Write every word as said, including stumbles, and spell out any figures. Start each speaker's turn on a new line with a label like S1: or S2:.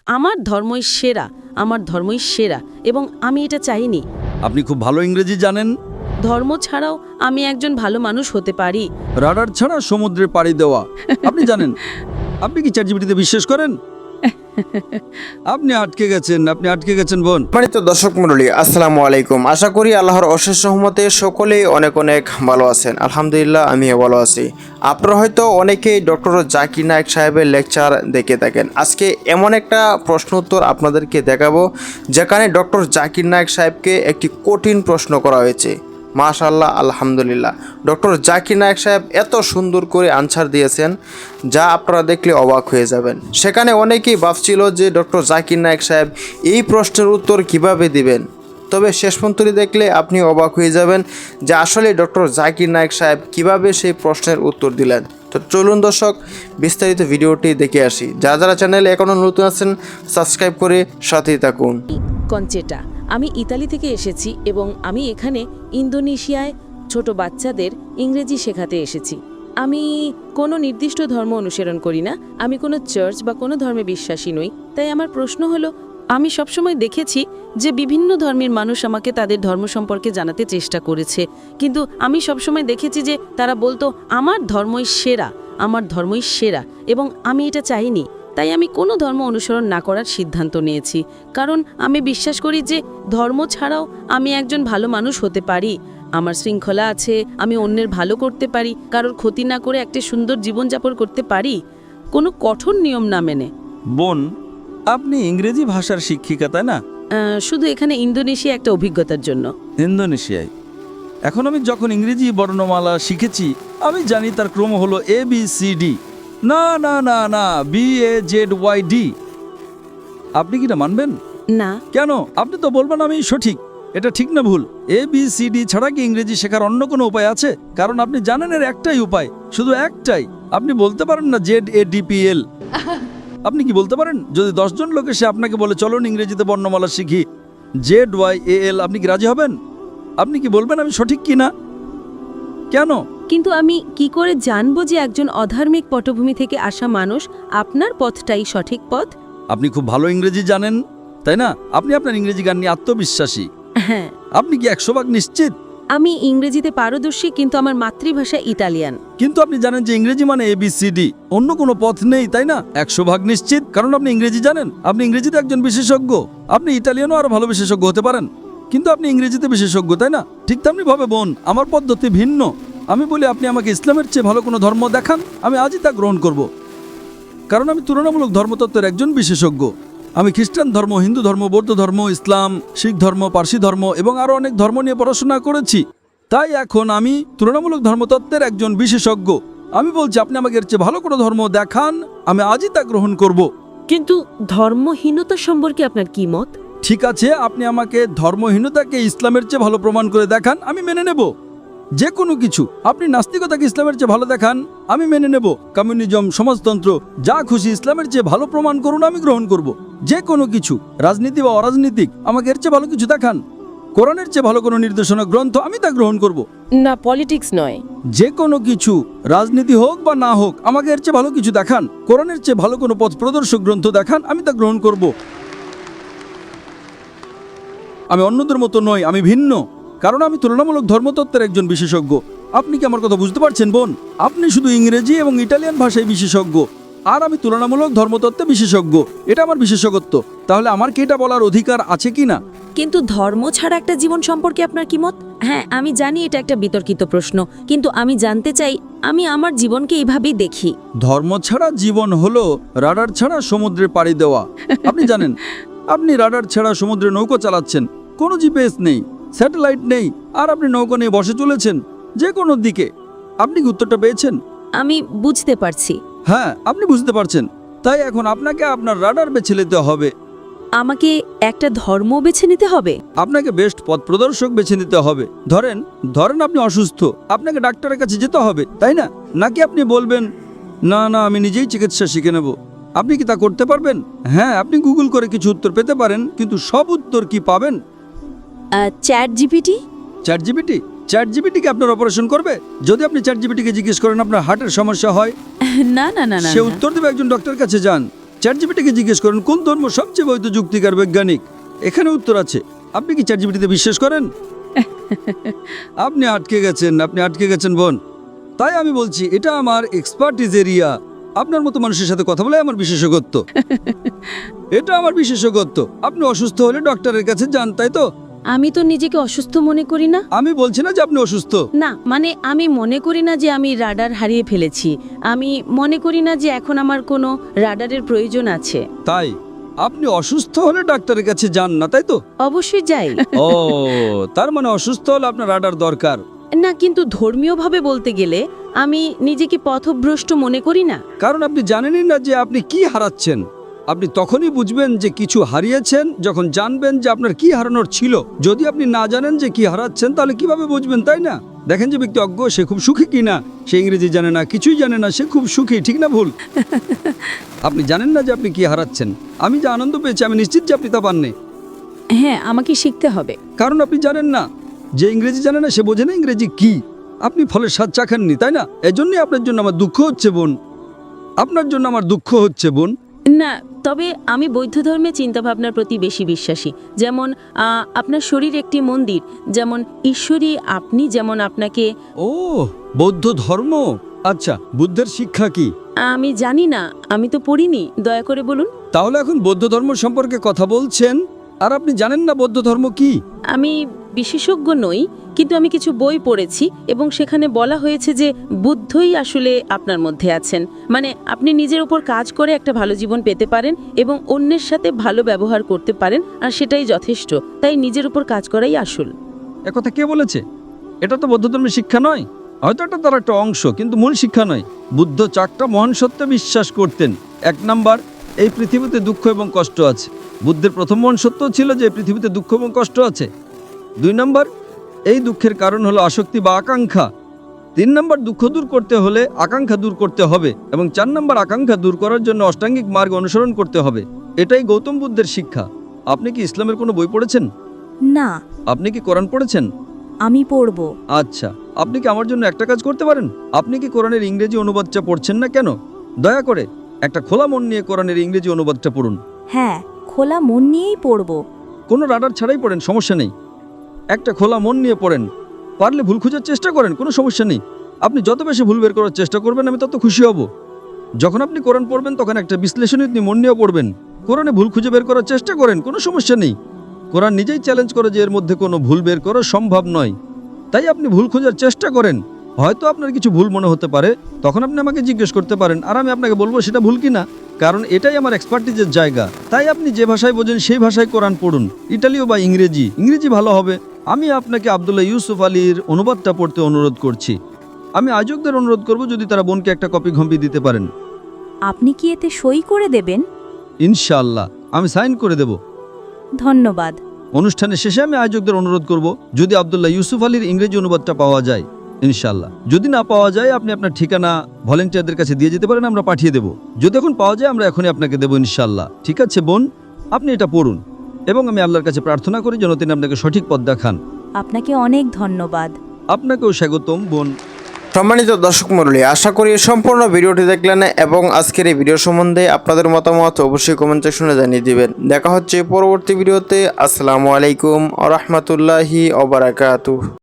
S1: আমার ধর্মই সেরা, আমার ধর্মই সেরা এবং আমি এটা চাইনি।
S2: আপনি খুব ভালো ইংরেজি জানেন।
S1: ধর্ম ছাড়াও আমি একজন ভালো মানুষ হতে পারি।
S2: রাডার ছাড়া সমুদ্রে পাড়ি দেওয়া আপনি জানেন। আপনি কি চ্যাটজিপিটিতে বিশ্বাস করেন? আপনি আটকে গেছেন, আপনি আটকে গেছেন বোন।
S3: সম্মানিত দর্শক মণ্ডলী, আসসালামু আলাইকুম। আশা করি আল্লাহর অশেষ রহমতে সকলেই অনেক অনেক ভালো আছেন। আলহামদুলিল্লাহ, আমিও ভালো আছি। আপনারা হয়তো অনেকেই ডক্টর জাকির নায়েক সাহেবের লেকচার দেখে থাকেন। আজকে এমন একটা প্রশ্ন উত্তর আপনাদেরকে দেখাবো যেখানে ডক্টর জাকির নায়েক সাহেবকে একটি কঠিন প্রশ্ন করা হয়েছে। মাশাআল্লাহ, আলহামদুলিল্লাহ, ডক্টর জাকির নায়েক সাহেব এত সুন্দর করে আনসার দিয়েছেন যা আপনারা দেখলে অবাক হয়ে যাবেন। সেখানে অনেকেই ভাবছিল যে ডক্টর জাকির নায়েক সাহেব এই প্রশ্নের উত্তর কিভাবে দিবেন, তবে শেষ পর্যন্ত দেখলে আপনি অবাক হয়ে যাবেন যে আসলে ডক্টর জাকির নায়েক সাহেব কিভাবে সেই প্রশ্নের উত্তর দিলেন। তো চলুন দর্শক, বিস্তারিত ভিডিওটি দেখে আসি। যারা যারা চ্যানেলে এখনও নতুন আছেন সাবস্ক্রাইব করে সাথেই থাকুন।
S1: কনচেটা, আমি ইতালি থেকে এসেছি এবং আমি এখানে ইন্দোনেশিয়ায় ছোট বাচ্চাদের ইংরেজি শেখাতে এসেছি। আমি কোনো নির্দিষ্ট ধর্ম অনুসরণ করি না, আমি কোনো চার্চ বা কোনো ধর্মে বিশ্বাসী নই। তাই আমার প্রশ্ন হলো, আমি সবসময় দেখেছি যে বিভিন্ন ধর্মের মানুষ আমাকে তাদের ধর্ম সম্পর্কে জানাতে চেষ্টা করেছে, কিন্তু আমি সবসময় দেখেছি যে তারা বলতো আমার ধর্মই সেরা, আমার ধর্মই সেরা এবং আমি এটা চাইনি। তাই আমি কোনো ধর্ম অনুসরণ না করার সিদ্ধান্ত নিয়েছি, কারণ আমি বিশ্বাস করি যে ধর্ম ছাড়াও আমি একজন ভালো মানুষ হতে পারি। আমার শৃঙ্খলা আছে, আমি অন্যের ভালো করতে পারি, কারোর ক্ষতি না করে একটা সুন্দর জীবনযাপন করতে পারি, কোনো কঠোর নিয়ম না মেনে।
S2: বোন, আপনি ইংরেজি ভাষার শিক্ষিকা তাই না?
S1: আহ, শুধু এখানে ইন্দোনেশিয়া একটা অভিজ্ঞতার জন্য।
S2: ইন্দোনেশিয়ায় এখন আমি যখন ইংরেজি বর্ণমালা শিখেছি আমি জানি তার ক্রম হলো এ বি সি ডি। না না না না B A Z Y D. আপনি কি না মানবেন?
S1: না।
S2: কেন? আপনি তো বলবেন আমি সঠিক। এটা ঠিক না ভুল? এ বি সি ডি ছাড়া কি ইংরেজি শেখার অন্য কোনো উপায় আছে? কারণ আপনি জানেন এর একটাই উপায়, শুধু একটাই। আপনি বলতে পারেন না Z A D P L? আপনি কি বলতে পারেন? যদি দশজন লোক এসে আপনাকে বলে চলুন ইংরেজিতে বর্ণমালা শিখি জেড ওয়াই এ এল, আপনি কি রাজি হবেন? আপনি কি বলবেন আমি সঠিক কি না? কেন?
S1: কিন্তু আমি কি করে জানবো যে একজন অধার্মিক পটভূমি থেকে আসা মানুষ আপনার পথটাই সঠিক পথ?
S2: আপনি খুব ভালো ইংরেজি জানেন তাই না? আপনি আপনার ইংরেজি গান নিয়ে আত্মবিশ্বাসী।
S1: হ্যাঁ।
S2: আপনি কি একশো ভাগ নিশ্চিত?
S1: আমি ইংরেজিতে পারদর্শী, কিন্তু আমার মাতৃভাষা ইতালিয়ান।
S2: কিন্তু আপনি জানেন যে ইংরেজি মানে এ বি সি ডি, অন্য কোনো পথ নেই তাই না? একশো ভাগ নিশ্চিত কারণ আপনি ইংরেজি জানেন, আপনি ইংরেজিতে একজন বিশেষজ্ঞ। আপনি ইটালিয়ানও আরো ভালো বিশেষজ্ঞ হতে পারেন, কিন্তু আপনি ইংরেজিতে বিশেষজ্ঞ তাই না? ঠিক তেমনি ভাবে বোন, আমার পদ্ধতি ভিন্ন। আমি বলি আপনি আমাকে ইসলামের চেয়ে ভালো কোনো ধর্ম দেখান, আমি আজই তা গ্রহণ করব, কারণ আমি তুলনামূলক ধর্মতত্ত্বের একজন বিশেষজ্ঞ। আমি খ্রিস্টান ধর্ম, হিন্দু ধর্ম, বৌদ্ধ ধর্ম, ইসলাম, শিখ ধর্ম, পার্সি ধর্ম এবং আরও অনেক ধর্ম নিয়ে পড়াশোনা করেছি। তাই এখন আমি তুলনামূলক ধর্মতত্ত্বের একজন বিশেষজ্ঞ। আমি বলছি আপনি আমাকে এর চেয়ে ভালো কোনো ধর্ম দেখান, আমি আজই তা গ্রহণ করব।
S1: কিন্তু ধর্মহীনতা সম্পর্কে আপনার কি মত?
S2: ঠিক আছে, আপনি আমাকে ধর্মহীনতাকে ইসলামের চেয়ে ভালো প্রমাণ করে দেখান, আমি মেনে নেব যে কোনো কিছু। আপনি নাস্তিকতাকে ইসলামের চেয়ে ভালো দেখান, আমি মেনে নেব। কমিউনিজম, সমাজতন্ত্র, যা খুশি ইসলামের চেয়ে ভালো প্রমাণ করুন, আমি গ্রহণ করব যে কোনো কিছু। রাজনীতি বা অরাজনীতিক, আমাকে এর চেয়ে ভালো কিছু দেখান। কোরআনের চেয়ে ভালো কোনো নির্দেশনা গ্রন্থ, আমি তা গ্রহণ করব।
S1: না, পলিটিক্স নয়,
S2: যে কোনো কিছু, রাজনীতি হোক বা না হোক, আমাকে এর চেয়ে ভালো কিছু দেখান। কোরআনের চেয়ে ভালো কোনো পথ প্রদর্শক গ্রন্থ দেখান, আমি তা গ্রহণ করব। আমি অন্যদের মতো নই, আমি ভিন্ন, কারণ আমি তুলনামূলক ধর্মতত্ত্বের একজন বিশেষজ্ঞ। আপনি কি আমার কথা বুঝতে পারছেন বোন? আপনি শুধু ইংরেজি এবং ইটালিয়ান ভাষায় বিশেষজ্ঞ, আর আমি তুলনামূলক ধর্মতত্ত্বে বিশেষজ্ঞ। এটা আমার বিশেষজ্ঞত্ব। তাহলে আমার কি এটা বলার অধিকার আছে কি না?
S1: কিন্তু ধর্ম ছাড়া একটা জীবন সম্পর্কে আপনার কি মত? হ্যাঁ, আমি জানি এটা একটা বিতর্কিত প্রশ্ন, কিন্তু আমি জানতে চাই, আমি আমার জীবনকে এইভাবেই দেখি।
S2: ধর্ম ছাড়া জীবন হলো রাডার ছাড়া সমুদ্রে পাড়ি দেওয়া। আপনি জানেন, আপনি রাডার ছাড়া সমুদ্রে নৌকা চালাচ্ছেন, কোনো জিপিএস নেই, স্যাটেলাইট নেই, আর আপনি নৌকা নিয়ে বসে চলেছেন যে কোনো দিকে। আপনি কি উত্তরটা পেয়েছেন?
S1: আমি বুঝতে পারছি।
S2: হ্যাঁ, আপনি বুঝতে পারছেন। তাই এখন আপনাকে আপনার রাডার বেছে নিতে হবে।
S1: আমাকে একটা ধর্ম বেছে নিতে হবে?
S2: আপনাকে বেস্ট পথ প্রদর্শক বেছে নিতে হবে। ধরেন ধরেন আপনি অসুস্থ, আপনাকে ডাক্তারের কাছে যেতে হবে তাই না? নাকি আপনি বলবেন না না আমি নিজেই চিকিৎসা শিখে নেব? আপনি কি তা করতে পারবেন? হ্যাঁ, আপনি গুগল করে কিছু উত্তর পেতে পারেন, কিন্তু সব উত্তর কি পাবেন?
S1: Chat GPT?
S2: Chat GPT chat GPT কি আপনার অপারেশন করবে? যদি আপনি চ্যাট জিপিটিকে জিজ্ঞেস করেন আপনার হার্টের সমস্যা হয়,
S1: না না না না,
S2: সে উত্তর দেবে একজন ডক্টরের কাছে যান। চ্যাট জিপিটিকে জিজ্ঞেস করেন কোন ধর্ম সবচেয়ে বৈধ যুক্তিকার বৈজ্ঞানিক, এখানে উত্তর আছে। আপনি কি চ্যাট জিপিটিতে বিশ্বাস করেন? আপনি আটকে গেছেন, আপনি আটকে গেছেন বোন। তাই আমি বলছি এটা আমার এক্সপার্টিজ এরিয়া। আপনার মতো মানুষের সাথে কথা বলে আমার বিশেষজ্ঞত্ব। এটা আমার বিশেষজ্ঞত্ব। আপনি অসুস্থ হলে ডক্টরের কাছে যান, তাই তো?
S1: আমি তো নিজেকে অসুস্থ মনে করি না।
S2: আমি বলছি না যে আপনি অসুস্থ।
S1: না, মানে আমি মনে করি না যে আমি রাডার হারিয়ে ফেলেছি। আমি মনে করি না যে এখন আমার কোনো রাডারের প্রয়োজন আছে।
S2: তাই আপনি অসুস্থ হলে ডাক্তারের কাছে যান না, তাই তো?
S1: অবশ্যই যাই।
S2: ও, তার মানে অসুস্থ হলে আপনার রাডার দরকার।
S1: না, কিন্তু ধর্মীয়ভাবে বলতে গেলে আমি নিজেকে পথভ্রষ্ট মনে করি না।
S2: কারণ আপনি জানেনই না যে আপনি কি হারাচ্ছেন। আপনি তখনই বুঝবেন যে কিছু হারিয়েছেন যখন জানবেন যে আপনার কি হারানোর ছিল। যদি আপনি না জানেন যে কি হারাচ্ছেন তাহলে কিভাবে বুঝবেন, তাই না? দেখেন যে ব্যক্তি অজ্ঞ, সে খুব সুখী কিনা। সে ইংরেজি জানে না, কিছুই জানে না, সে খুব সুখী, ঠিক না ভুল? আপনি জানেন না যে আপনি কি হারাচ্ছেন। আমি যে আনন্দ পেয়েছি আমি নিশ্চিত যে আপনি তা পাননি।
S1: হ্যাঁ, আমাকে শিখতে হবে।
S2: কারণ আপনি জানেন না, যে ইংরেজি জানে না সে বোঝে না ইংরেজি কি। আপনি ফলের স্বাদ চাখাননি, তাই না? এজন্যই আপনার জন্য আমার দুঃখ হচ্ছে বোন। আপনার জন্য আমার দুঃখ হচ্ছে বোন।
S1: না, তবে আমি বৌদ্ধ ধর্মের চিন্তাভাবনার প্রতি বেশি বিশ্বাসী। যেমন আহ, আপনার শরীর একটি মন্দির, যেমন ঈশ্বরী আপনি, যেমন আপনাকে।
S2: ও, বৌদ্ধ ধর্ম। আচ্ছা, বুদ্ধের শিক্ষা কি?
S1: আমি জানি না, আমি তো পড়িনি, দয়া করে বলুন।
S2: তাহলে এখন বৌদ্ধ ধর্ম সম্পর্কে কথা বলছেন আর আপনি জানেন না বৌদ্ধ ধর্ম কি?
S1: আমি বিশেষজ্ঞ নই, কিন্তু আমি কিছু বই পড়েছি এবং সেখানে বলা হয়েছে যে বুদ্ধই আসলে আপনার মধ্যে আছেন। মানে আপনি নিজের উপর কাজ করে একটা ভালো জীবন পেতে পারেন এবং অন্যের সাথে ভালো ব্যবহার করতে পারেন, আর সেটাই যথেষ্ট। তাই নিজের উপর কাজ করাই আসল।
S2: একথা কে বলেছে? এটা তো বৌদ্ধ ধর্মের শিক্ষা নয়। হয়তো এটা তার একটা অংশ, কিন্তু মূল শিক্ষা নয়। বুদ্ধ চারটা মহান সত্যে বিশ্বাস করতেন। এক নাম্বার, এই পৃথিবীতে দুঃখ এবং কষ্ট আছে। বুদ্ধের প্রথম মহান সত্য ছিল যে এই পৃথিবীতে দুঃখ এবং কষ্ট আছে। দুই নাম্বার, এই দুঃখের কারণ হলো আসক্তি বা আকাঙ্ক্ষা। তিন নাম্বার, দুঃখ দূর করতে হলে আকাঙ্ক্ষা দূর করতে হবে। এবং চার নাম্বার, আকাঙ্ক্ষা দূর করার জন্য অষ্টাঙ্গিক মার্গ অনুসরণ করতে হবে। এটাই গৌতম বুদ্ধের শিক্ষা। আপনি কি ইসলামের কোনো বই পড়েছেন?
S4: না,
S2: আপনি কি কোরআন পড়েছেন?
S4: আমি পড়ব।
S2: আচ্ছা, আপনি কি আমার জন্য একটা কাজ করতে পারেন? আপনি কি কোরআনের ইংরেজি অনুবাদটা পড়ছেন না কেন? দয়া করে একটা খোলা মন নিয়ে কোরআনের ইংরেজি অনুবাদটা পড়ুন।
S4: হ্যাঁ, খোলা মন নিয়েই পড়ব।
S2: কোনো রাডার ছাড়াই পড়েন, সমস্যা নেই। একটা খোলা মন নিয়ে পড়েন। পারলে ভুল খোঁজার চেষ্টা করেন, কোনো সমস্যা নেই। আপনি যত বেশি ভুল বের করার চেষ্টা করবেন আমি তত খুশি হব। যখন আপনি কোরআন পড়বেন তখন একটা বিশ্লেষণী মন নিয়েও পড়বেন। কোরআনে ভুল খুঁজে বের করার চেষ্টা করেন, কোনো সমস্যা নেই। কোরআন নিজেই চ্যালেঞ্জ করে যে এর মধ্যে কোনো ভুল বের করা সম্ভব নয়। তাই আপনি ভুল খোঁজার চেষ্টা করেন। হয়তো আপনার কিছু ভুল মনে হতে পারে, তখন আপনি আমাকে জিজ্ঞেস করতে পারেন আর আমি আপনাকে বলবো সেটা ভুল কিনা। কারণ এটাই আমার এক্সপার্টিজের জায়গা। তাই আপনি যে ভাষায় বোঝেন সেই ভাষায় কোরআন পড়ুন, ইটালীয় বা ইংরেজি। ইংরেজি ভালো হবে। আমি আপনাকে আব্দুল্লাহ ইউসুফ আলীর অনুবাদটা পড়তে অনুরোধ করছি। আমি আয়োজকদের অনুরোধ করব যদি তারা বোনকে একটা কপি ঘম্পি দিতে পারেন।
S4: আপনি কি এতে সই করে দেবেন?
S2: ইনশাআল্লাহ আমি সাইন করে দেব।
S4: ধন্যবাদ।
S2: অনুষ্ঠানের শেষে আমি আয়োজকদের অনুরোধ করব যদি আব্দুল্লাহ ইউসুফ আলীর ইংরেজি অনুবাদটা পাওয়া যায়, ইনশাআল্লাহ। যদি না পাওয়া যায় আপনি আপনার ঠিকানা ভলেন্টিয়ারদের কাছে দিয়ে যেতে পারেন, আমরা পাঠিয়ে দেব। যদি এখন পাওয়া যায় আমরা এখনই আপনাকে দেবো, ইনশাআল্লাহ। ঠিক আছে বোন, আপনি এটা পড়ুন এবং আমি আল্লাহর কাছে প্রার্থনা করি যেন তিনি আপনাকে সঠিক পথ দেখান।
S4: আপনাকে অনেক ধন্যবাদ।
S2: আপনাকেও স্বাগতম বোন।
S3: সম্মানিত দর্শক মণ্ডলী, আশা করি সম্পূর্ণ ভিডিওটি দেখলেন এবং আজকের এই ভিডিও সম্বন্ধে আপনাদের মতামত অবশ্যই কমেন্ট সেকশনে জানিয়ে দিবেন। দেখা হচ্ছে পরবর্তী ভিডিওতে। আসসালামু আলাইকুম ওয়া রাহমাতুল্লাহি ওয়া বারাকাতুহু।